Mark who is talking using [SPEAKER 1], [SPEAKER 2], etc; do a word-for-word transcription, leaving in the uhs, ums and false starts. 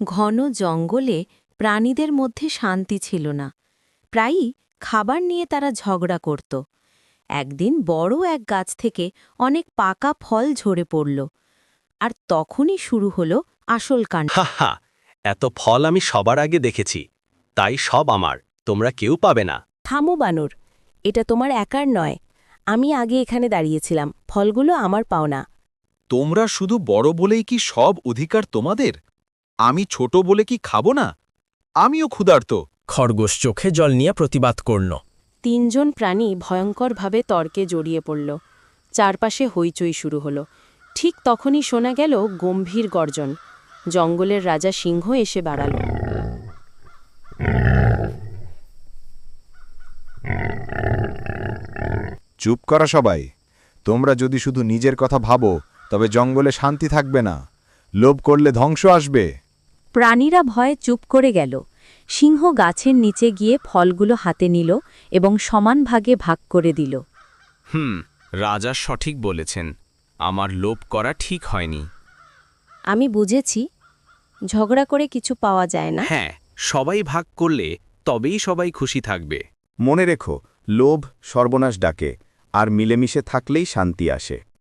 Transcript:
[SPEAKER 1] ঘন জঙ্গলে প্রাণীদের মধ্যে শান্তি ছিল না। প্রায়ই খাবার নিয়ে তারা ঝগড়া করত। একদিন বড় এক গাছ থেকে অনেক পাকা ফল ঝরে পড়ল, আর তখনই শুরু হলো আসল কাণ্ড।
[SPEAKER 2] হা হা, এত ফল আমি সবার আগে দেখেছি, তাই সব আমার, তোমরা কেউ পাবে না।
[SPEAKER 3] থামো বানর, এটা তোমার একার নয়। আমি আগে এখানে দাঁড়িয়েছিলাম, ফলগুলো আমার পাওনা।
[SPEAKER 4] তোমরা শুধু বড় বলেই কি সব অধিকার তোমাদের? আমি ছোট বলে কি খাবো না? আমিও ক্ষুধার্ত।
[SPEAKER 5] খরগোশ চোখে জল নিয়ে প্রতিবাদ করল।
[SPEAKER 3] তিনজন প্রাণী ভয়ঙ্করভাবে তর্কে জড়িয়ে পড়ল। চারপাশে হইচই শুরু হলো। ঠিক তখনই শোনা গেল গম্ভীর গর্জন। জঙ্গলের রাজা সিংহ এসে বাড়াল।
[SPEAKER 6] চুপ করা সবাই। তোমরা যদি শুধু নিজের কথা ভাবো তবে জঙ্গলে শান্তি থাকবে না। লোভ করলে ধ্বংস আসবে।
[SPEAKER 1] প্রাণীরা ভয়ে চুপ করে গেল। সিংহ গাছের নিচে গিয়ে ফলগুলো হাতে নিল এবং সমান ভাগে ভাগ করে দিল।
[SPEAKER 7] হুম, রাজা সঠিক বলেছেন, আমার লোভ করা ঠিক হয়নি।
[SPEAKER 3] আমি বুঝেছি, ঝগড়া করে কিছু পাওয়া যায় না।
[SPEAKER 7] হ্যাঁ, সবাই ভাগ করলে তবেই সবাই খুশি থাকবে।
[SPEAKER 6] মনে রেখো, লোভ সর্বনাশ ডাকে, আর মিলেমিশে থাকলেই শান্তি আসে।